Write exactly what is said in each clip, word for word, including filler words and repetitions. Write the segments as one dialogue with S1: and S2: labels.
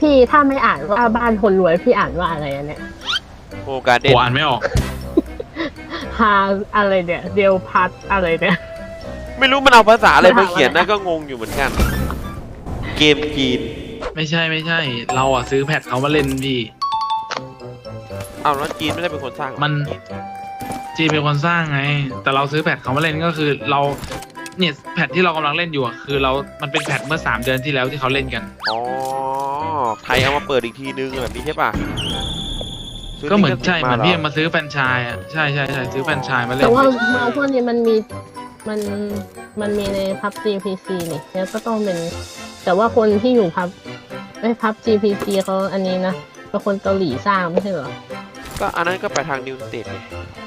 S1: พี่ถ้าไม่อ่านว่าบ้านคนรวยพี่อ่านว่าอะไรอันเนี่ย
S2: โอการเด่น
S3: อ่านไม่ออก
S1: ฮาอะไรเนี่ยเดียวพัดอะไรเนี่ย
S2: ไม่รู้มันเอาภาษาอะไรมาเขียนนะก็งงอยู่เหมือนกันเกมจีน
S3: ไม่ใช่ไม่ใช่เราอ่ะซื้อแพทเขามาเล่นพี่
S2: เอาแล้วจีนไม่ได้เป็นคนสร้าง
S3: มันจีนเป็นคนสร้างไงแต่เราซื้อแพทเขามาเล่นก็คือเราเนี่ยแพทที่เรากำลังเล่นอยู่อ่ะคือเรามันเป็นแพทเมื่อสามเดือนที่แล้วที่เขาเล่นกัน
S2: อ๋อไทยเอามาเปิดอีกทีนึงแบบนี้ใช่ป่ะ
S3: ก็เหมือนใช่เหมือนพี่มาซื้อแฟรนไชส์อ่ะใช่ใช่ใช่ซื้อแฟรนไชส์มาเล่น
S1: แต่ว่ามาพวกนี้มันมีมันมันมีในพับ จี พี ซี นี่แล้วก็ต้องเป็นแต่ว่าคนที่อยู่พับไอ้พับ จี พี ซี เขาอันนี้นะเป็นคนเกาหลีสร้างไม่ใช่เหรอ
S2: ก็อันนั้นก็ไปทางนิวสเตทไง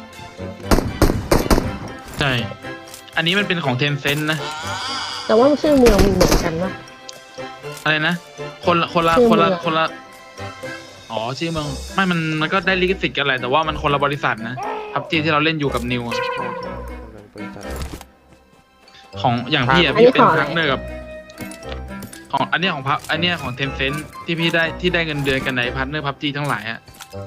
S3: ใช่อันนี้มันเป็นของเทนเซ็นต์นะ
S1: แต่ว่าชื่อเมืองมันเหมือนกันปะ
S3: อะไรนะคนละคนละคนละคนละอ๋อชื่อเมืองไม่มันมันก็ได้ลิขสิทธิ์กันแหละแต่ว่ามันคนละบริษัทนะพับจีที่เราเล่นอยู่กับนิวของอย่างพี่อ่ะพี่เป็นพาร์ทเนอร์กับของอันนี้ของพับอันนี้ของเทนเซ็นต์ที่พี่ได้ที่ได้เงินเดือนกันในพาร์ทเนอร์พับจีทั้งหลายอ่ะ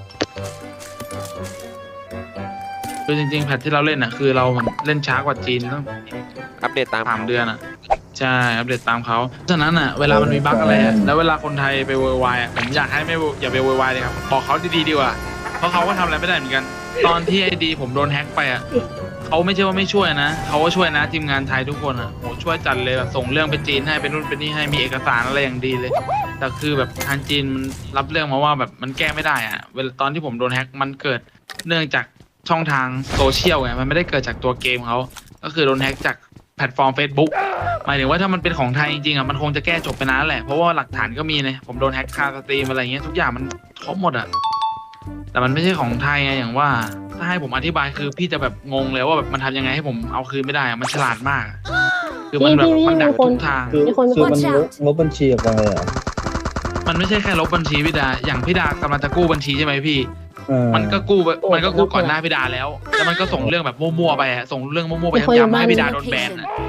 S3: คือจริงๆแพทที่เราเล่นอ่ะคือเราเล่นช้ากว่าจีนต้อง
S2: อัปเดตตาม
S3: สามเดือนอ่ะใช่อัปเดตตามเขาฉะนั้นอ่ะเวลามันมีบั๊กอะไรอ่ะแล้วเวลาคนไทยไปโวยวายอ่ะผมอยากให้ไม่อย่าไปโวยวายเลยครับบอกเขาดีๆดีกว่าเพราะเขาก็ทำอะไรไม่ได้เหมือนกันตอนที่ไอดีผมโดนแฮ็กไปอ่ะเขาไม่ใช่ว่าไม่ช่วยนะเขาก็ช่วยนะทีมงานไทยทุกคนอ่ะโหช่วยจัดเลยแบบส่งเรื่องไปจีนให้ไปนู่นไปนี่ให้มีเอกสารอะไรอย่างดีเลยแต่คือแบบทางจีนมันรับเรื่องมาว่าแบบมันแก้ไม่ได้อ่ะเวลาตอนที่ผมโดนแฮ็กมันเกิดเนื่องจากช่องทางโซเชียลไงมันไม่ได้เกิดจากตัวเกมเขาก็คือโดนแฮ็กจากแพลตฟอร์ม Facebook หมายถึงว่าถ้ามันเป็นของไทยจริงๆอ่ะมันคงจะแก้จบไปนานแหละเพราะว่าหลักฐานก็มีเลยผมโดนแฮ็กคาสตรีมอะไรเงี้ยทุกอย่างมันครบหมดอ่ะแต่มันไม่ใช่ของไทยไงอย่างว่าถ้าให้ผมอธิบายคือพี่จะแบบงงเลยว่าแบบมันทำยังไงให้ผมเอาคืนไม่ได้อะมันฉลาดมากคือมันแบบมันดักทุกทาง
S4: คือคือมันลบบัญชีออกไปอ่ะ
S3: มันไม่ใช่แค่ลบบัญชีพี่ดาอย่างพี่ดากำลังจะกู้บัญชีใช่ไหมพี่มันก็กู้มันก็กู้ก่อนหน้าพี่ดาแล้วแล้วมันก็ส่งเรื่องแบบมั่วๆไปอะส่งเรื่องมั่วๆไปย้ำๆให้พี่ดาโดนแบนอะ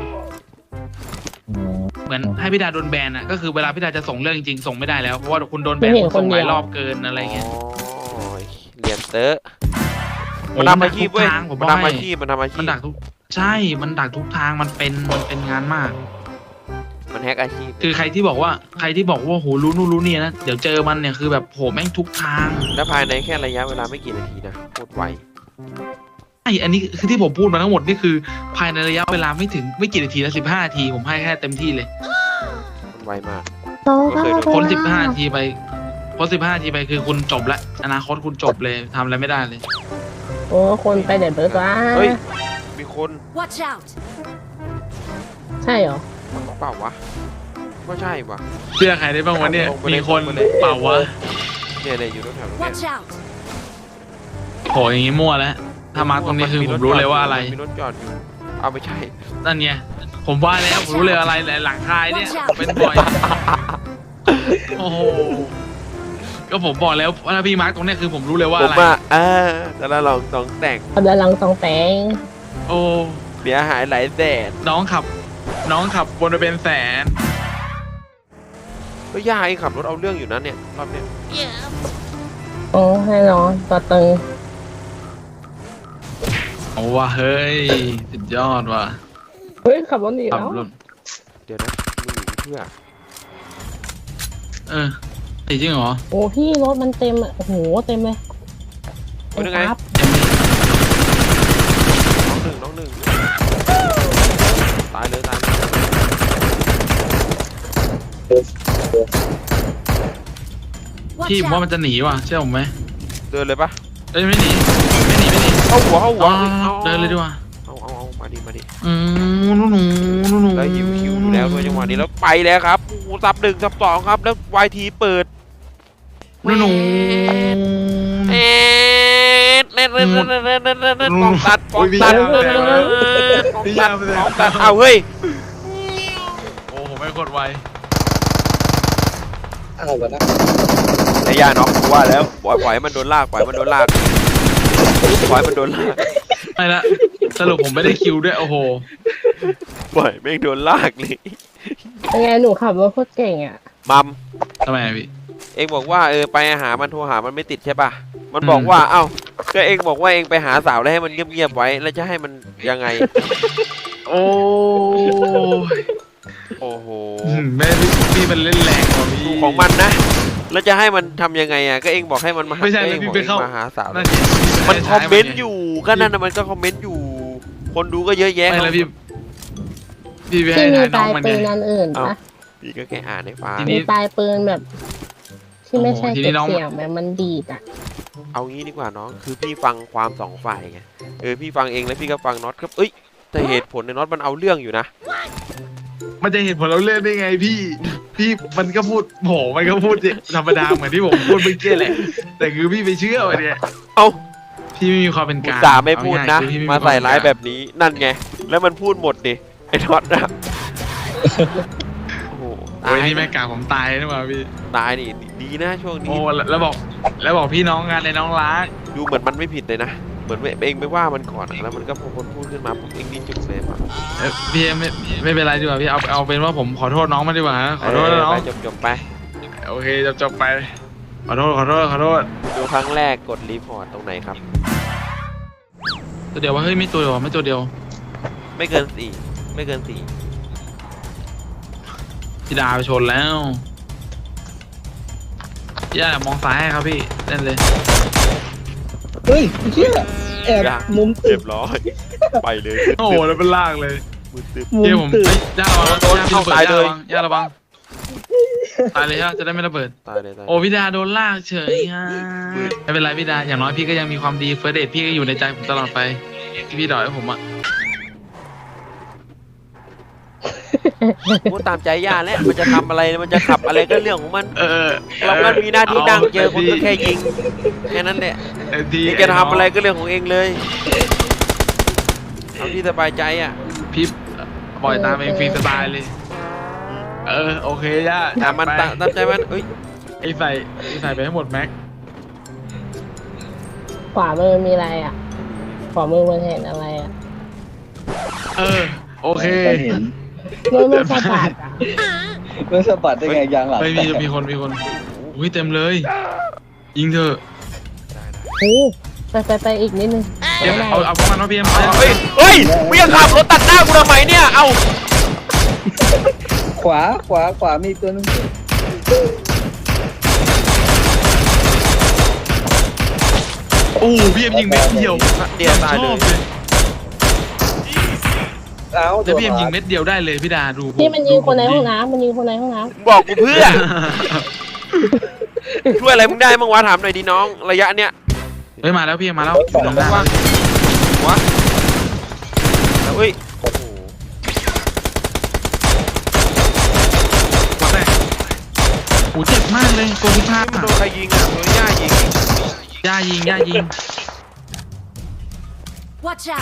S3: เหมือนให้พี่ดาโดนแบนอ่ะก็คือเวลาพี่ดาจะส่งเรื่องจริงๆส่งไม่ได้แล้วเพราะว่าคุณโดนแบนคุณส่งหลายรอบเกินอะไรเงี้ย
S2: เรียนเตอะมันทำอาชีพเว้ยมันทำอาชีพมันทำอาชีพ
S3: มันดักทุกใช่มันดักทุกทางมันเป็นมันเป็นงานมาก
S2: มันแฮกอาชีพ
S3: คือใครที่บอกว่าใครที่บอกว่าโหรู้นู่นรู้นี่นะเดี๋ยวเจอมันเนี่ยคือแบบโหแม่งทุกทาง
S2: แล้วภายในแค่ระยะเวลาไม่กี่นาทีนะโคตรไว
S3: ไออันนี้คือที่ผมพูดมาทั้งหมดนี่คือภายในระยะเวลาไม่ถึงไม่กี่นาทีนะสิบห้านาทีผมให้แค่เต็มที่เลย
S2: มันไวมาก
S3: พ้นสิบห้านาทีไปพ้นสิบห้านาทีไปคือคุณจบละอนาคตคุณจบเลยทำอะไรไม่ได้เลย
S1: โอ้คนไปเด็ดเบิร์ดวะ
S2: เฮ้ยมีคน
S5: Watch out
S1: ใช่เหรอ
S2: เปล่าวะไม่ใช่วะ
S3: เชื่อใครได้บ้างวะเนี่ยมีคนเปล่าวะ
S2: เนี่ยเนี่ยอยู่ตรงแถวนี้
S3: โหอย่างงี้มั่วแล้วถ้ามาตรงนี้คือผมรู้เลยว่าอะไร
S2: มีรถจอดอยู่เอาไม่ใช่
S3: นั่นไงผมว่าแล้วผมรู้เลยอะไรหลังคายเนี่ยเป็นบ่อยโอ้โหก็ผมบอกแล้วว่าพี่มาร์กตรงนี้คือผมรู้เลยว่าอะไร
S2: ผมอ่ะอ่าแต่ละลองต้องแต่ง
S1: แต่ละลองต้องแต่ง
S3: โอ้
S2: เสียหายหลายแสน
S3: น้องขับน้องขับวนไปเป็นแสน
S2: ก็ยากไอ้ขับรถเอาเรื่องอยู่นั้นเนี่ยรอบเนี้ย
S1: โอ้ให้น้องตัวตึง
S3: โอ้ว่ะเฮ้ยสุดยอดว่ะ
S1: เฮ้ยขับรถหนีแล้ว
S2: เดี๋ยวนะมึงหนีเพื่อ
S3: เออจริงเหรอ
S1: โอ้พี่รถมันเต็มอ่ะโอ้โหเต็มเลย
S2: เป็นยังไงน้องหนึ่งน้องหนึ่งตายเลยตาย
S3: พี่ผมว่ามันจะหนีว่ะเชื่อผมไหม
S2: เดินเลยปะ
S3: เอ้ยไม่หนีไม่หนีไม่หนี
S2: เอาหัวเอาหัว
S3: เดินเลยดีกว่า
S2: เอาเอาเอามาดิมาดิ
S3: อืมนู่นนู่นนู่น
S2: แล้วหิวหิวอยู่แล้วด้วยจังหวะนี้แล้วไปแล้วครับโอ้ซับหนึ่งซับสองครับแล้ววายทีเปิด
S3: นู่นนู่น
S2: เอ๊ะเล่นเล่นเล่นเล่นเล่นเล่นเล่นเล่นปองตัดปองตัดปองตัดปองตัดเอาเฮ้ย
S3: โอ้ผมไม่กดไว
S4: อะไรวะนะ
S2: ระยะน็อกว่าแล้วปล่อยปล่อยมันโดนลากปล่อยมันโดนลากปล่อยมันโดนลาก
S3: ไม่ละสรุปผมไม่ได้คิวด้วยโอ้โห
S2: ปล่อยไม่โดนลากเลย
S1: ยังไงหนูขับรถโคตรเก่งอ่ะ
S2: มัม
S3: ทำไมพี่
S2: เเองบอกว่าเออไปหามันโทรหามันไม่ติดใช่ป่ะมันบอกว่าเอ้าก็เองบอกว่าเองไปหาสาวแล้วให้มันเงียบๆไว้แล้วจะให้มันยังไง
S3: โอ้ย
S2: โอ้โห
S3: แม่พี่พี่เป็นเล่นแรงกว่าพี่
S2: ดูของมันนะแล้วจะให้มันทำยังไงอ่ะก็เองบอกให้มันมา
S3: ไม่ใช่
S2: ก็เอง
S3: พี่
S2: บอก
S3: ไป
S2: เอง
S3: เข้า
S2: มาหาสาว
S3: นั่นดิ
S2: มันคอมเมนต์อยู่ก็นั่นนะมันก็คอมเมนต์อยู่ คนดูก็เยอะแยะ
S3: ไม่แล้วพี่พี่ไป
S1: ที่
S3: ให้
S1: มี
S3: ทาย
S1: ป
S3: น้อ
S1: ลาง ย
S3: มัน
S1: ปื
S3: ไง
S1: นอันอื่นปะ
S2: พี่ก็แค่อ่านให้ฟัง
S3: ทีนี้
S1: มีปลายปืนแบบ ที่ไม่ใช่
S3: โอ้โหที
S1: เก็
S3: นี้
S1: บ
S3: น้อง
S1: เสียงแบบมันดีดอ่ะ
S2: เอางี้ดีกว่าน้องคือพี่ฟังความสองฝ่ายไงเออพี่ฟังเองแล้วพี่ก็ฟังน็อตครับเอ้ยแต่เหตุผลในน็อตมันเอาเรื่องอยู่นะ
S3: มันจะเห็นผลเราเล่นได้ไงพี่ พี่มันก็พูดโหมันก็พูดธรรมดาเหมือนที่ผมพูดเมื่อกี้แหละแต่คือพี่ไปเชื่อมันเนี่ย
S2: เอ้า
S3: พี่ไม่มีความเป็น
S2: อุ
S3: ก
S2: ต
S3: ลาง
S2: ส่าห์ไม่พูดนะ
S3: เอง่ยๆคือพี่ไ
S2: มาใส่ร้ายแบบนี้นั่นไงแล้วมันพูดหมดดิไอ้น็อตนะโอ้โห
S3: โอ้ยนี่แม่กาผมตายนะว่าพี่
S2: ตายนี่ดีนะช่วงนี้
S3: โอ้แล้วแล้วบอกแล้วบอกพี่น้องงานในน้องรัก
S2: ดูเหมือนมันไม่ผิดเลยนะเหมือนเองไปว่ามันก่อนอะแล้วมันก็พอคนพูดขึ้นมาปุ๊บเองนี่จุดเลยป่ะ
S3: เอ้ยพี่ไม่ไม่เป็นไรดีกว่าพี่เอาเอาเป็นว่าผมขอโทษน้องมาดีกว่าฮะขอโทษนะน้อง
S2: จบจบๆไป
S3: โอเคจบจบไปขอโทษขอโทษขอโทษ
S2: ดูครั้งแรกกดรีพอร์ตตรงไหนครับ
S3: ตัวเดียวว่าเฮ้ยไม่ตัวเดียวไม่ตัวเดียว
S2: ไม่เกินสี่ไม่เกินสี่
S3: พี่ดาไปชนแล้วย่ามองซ้ายให้ครับพี่เล่นเลย
S4: เฮ้ยเชี่ยแอบมุมตึ
S2: เรี
S4: ก
S2: ยบร้อย ไปเลย
S3: โอ้โหแล้วเป็นลากเลย
S2: มือตึบ
S4: มุ
S3: เดี๋ยว
S4: ม
S3: ผม
S4: ตึก
S3: เฮ้ยย่าระวัง
S2: โดน
S3: ย่า
S2: เข้า
S3: ระวัง
S2: ตายเลย
S3: ย่าระวังตายเลยฮะจะได้ไม่ระเบิด
S2: ตายเลยตาย
S3: โอ้พี่ดาโดนลากเฉยฮะไม่เป็นไรพี่ดาอย่างน้อยพี่ก็ยังมีความดีเฟิร์สเดทพี่ก็อยู่ในใจผมตลอดไปที่พี่ดอยให้ผมอะ
S2: พูดตามใจย่าแล้วมันจะทำอะไรมันจะขับอะไรก็เรื่องของมัน
S3: เออ
S2: เราก็มีหน้าที่นั่งเจอคนก็แค่ยิงแค่นั้นแหละ
S3: เออที่
S2: เองจะทำอะไรก็เรื่องของเองเลยเอาที่สบายใจอ่ะ
S3: พี่ปล่อยตามเองฟรีสไตล์เลย เออโอเคย่า
S2: แต่มัน
S3: จั
S2: ตา
S3: ด
S2: ม
S3: ไป
S2: ตามใจมันเอ้ย
S3: ไอ้ใส่ไอ้ใส่ไปให้หมดแม็ก
S1: ขวามือมีอะไรอ่ะ ขวามือมันเห็นอะไรอ่ะ
S3: เออโอเค
S4: ก็เห็น
S1: มือมันสะบัดอ่ะ
S4: มันสะบัดได้ไงยางหลัง
S3: ไม่มี
S4: แตก
S3: มีคนมีคนอุ้ยเต็มเลย ยิงเถอะ
S1: โอ้ไปไปไปอีกนิดนึง
S3: เดี๋ยว
S1: ไม่ได้
S3: เอาเอาพวกมันมาเพียมเอา
S2: เฮ้ยเฮ้ยมึงยังขับรถตัดหน้ากูทำไมเนี่ยเอ้า
S4: ขวาขวาขวามีตัวนึง
S3: โอ้พี่เอ็มยิงเม็ดเดียว
S2: เดียวตาย
S3: ช
S2: เล
S3: อบ
S2: ย
S3: เลย
S4: เอ้า
S3: แล้วพี่เอ็มยิงเม็ดเดียวได้เลยพี่ดาดู
S1: ที่มันยิงคนในห้องน้ำมันยิงคนในห้องน้ำ
S2: บอกกูเพื่อ ช่วยอะไรมึงได้บ้างวะถามหน่อยดิน้องระยะเนี้ย
S3: เฮ้ยมาแล้วพี่เอ็มมาแล้ว
S4: สอง
S3: หลังหน้า
S2: ว่าหัวแล้วเอ้ยโอ้โห
S3: มาแตกโอ้เจ็บมากเลยโกงพิฆาต
S2: โดนใครยิงอ่ะโดนย่ายิง
S3: ย่ายิงย่ายิง
S5: Watch out!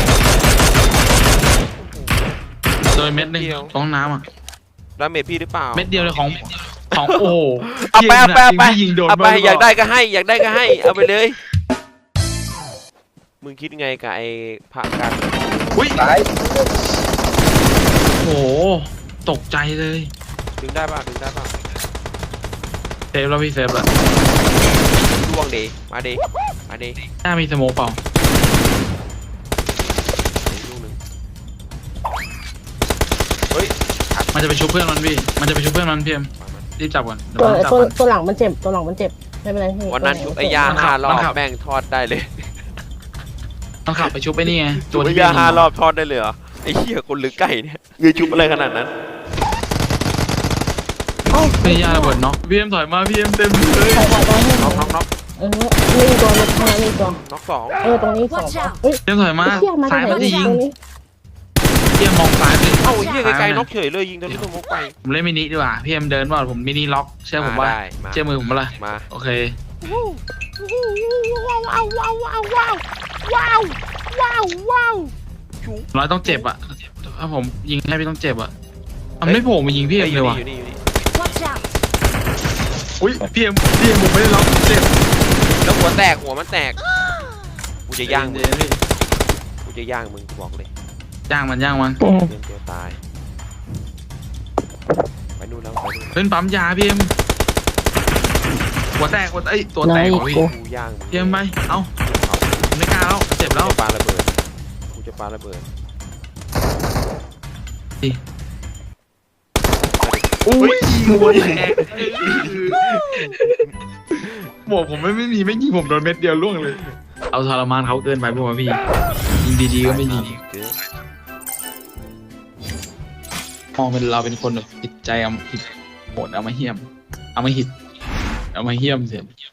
S3: โดยเม็ดหนึงตรงน้ำอ่ะ
S2: ดาเมจพี่หรือเปล่า
S3: เม็ดเดียวเลยของของโอ้โห
S2: เอาไปเอาไปเอาไป
S3: พี่ยิงโดน
S2: เอาไป
S3: บ้งหรื
S2: อยาก
S3: เป
S2: ได้
S3: ล่
S2: ก็ให้อยากได้ก็ให้เอาไปเลย มึงคิดไงกับไอ้พระกัน
S3: อุ้ย
S4: ตาย
S3: โอ้โหตกใจเลย
S2: ดึงได้ป่ะดึงได้ป่ะ
S3: เซฟแล้วพี่เซฟแล้ว
S2: ล่วงเดมาเดมาเด
S3: หน้ามีสโมกเปล่า
S2: ลูกหนึ่งเฮ้ย
S3: มันจะไปชุบเพื่อนมันพี่มันจะไปชุบเพื่อนมันพี่เอ็มรีบจับก่อนเดี๋ยว
S1: ตัว
S3: มันจับ
S1: ตัว
S3: มัน
S1: ตัวหลังมันเจ็บตัวหลังมันเจ็บไม่เป็นไรพี่
S2: วันนั้นชุบไอ้ยา
S3: มันขั
S2: ห้า
S3: บ
S2: รอ
S3: มัน
S2: บ
S3: ขับ
S2: แม่งทอดได้เลย
S3: ต้องขับไปชุบไปนี่ไง
S2: ชุบไอ้
S3: พี่
S2: ยา
S3: ยิง
S2: ห้ารอบทอดได้เลยเหรอไอ้เหี้ยคนหรือไก่เนี่ยเงยชุบอะไรขนาดนั้น
S3: ไม่ยาระเบิดเนาะพี่เอ็มถอยมาพี่เอ็มเต็มเลย
S1: ใครใครตัวให้
S2: น็อกน็อกน็อก
S1: เออนี่ตัวนึงข้างหน้านี่ตัว
S2: น็อกสอง
S1: เออตรงนี้สอง
S5: Watch out
S1: เฮ้ย
S3: พี่เอ็มถอยมา
S1: เชี่ยมา
S3: ซ้าย
S1: จากไหน
S3: มันจะยิง
S1: ตรงนี้
S3: พี่เอ็มมองซ้ายสิ
S2: เอ้าไอ้เหี้ยไกลๆน็อกเฉยเลยยิงตัวนี้ตัวมุกไป
S3: ผมเล่นมินิดีกว่าพี่เอ็มเดินว่าผมมินิล็อกเชื่อผมว่า
S2: ได้มา
S3: เชื่อมือผมปะล่ะ
S2: มา
S3: โอเค
S2: ว้าวว้าวว้าวว้าวว้าวว้าวว้าวว้าว
S3: ร้อยต้องเจ็บอ่ะถ้าผมยิงให้พี่ต้องเจ็บอ่ะมันไม่โผล่มายิงพี่เอ็มเลยว่ะ
S2: อยู่นี่อยู่นี่
S5: Watch out!
S3: อุ้ยพี่เอ็มพี่เอ็มผมไม่ได้ล็อกเจ็บ
S2: แล้วหัวแตกหัวมันแตกกูจะย่างมึง
S3: เดี๋วพี่
S2: กูจะย่างมึงกูบอกเลย
S3: ย่างมันย่างมัน
S2: เดี๋ยวเดี๋ยวตายไปนู่นแล้วไปนู่นแล้ว
S3: เล่นปั๊มยาพี่เอ็มหัวแตกหัวไอ้ยตัว
S1: เล
S3: แตก
S1: ย
S3: โอ้ย
S1: กู
S2: กูย่าง
S3: เทียมไปเอ้าไม่กล้าแล้วเจ็บ
S2: แล้
S3: แล้ว ว
S2: ปาระเบิดกูจะปาระเบิด
S3: ดิอุ้ยหัวแตกหมวกผมไม่ไม่มีไม่ยิงผมโดนเม็ดเดียวล่วงเลย เอาทรมานเขาเกินไปพวกพี่ยิงดีๆก็ไม่ยิงมองเป็นเราเป็นคนแบบจิตใจเอาผิดโหดเอามาเหี้ยมเอามาหิดเอามาเหี้ยมเสีย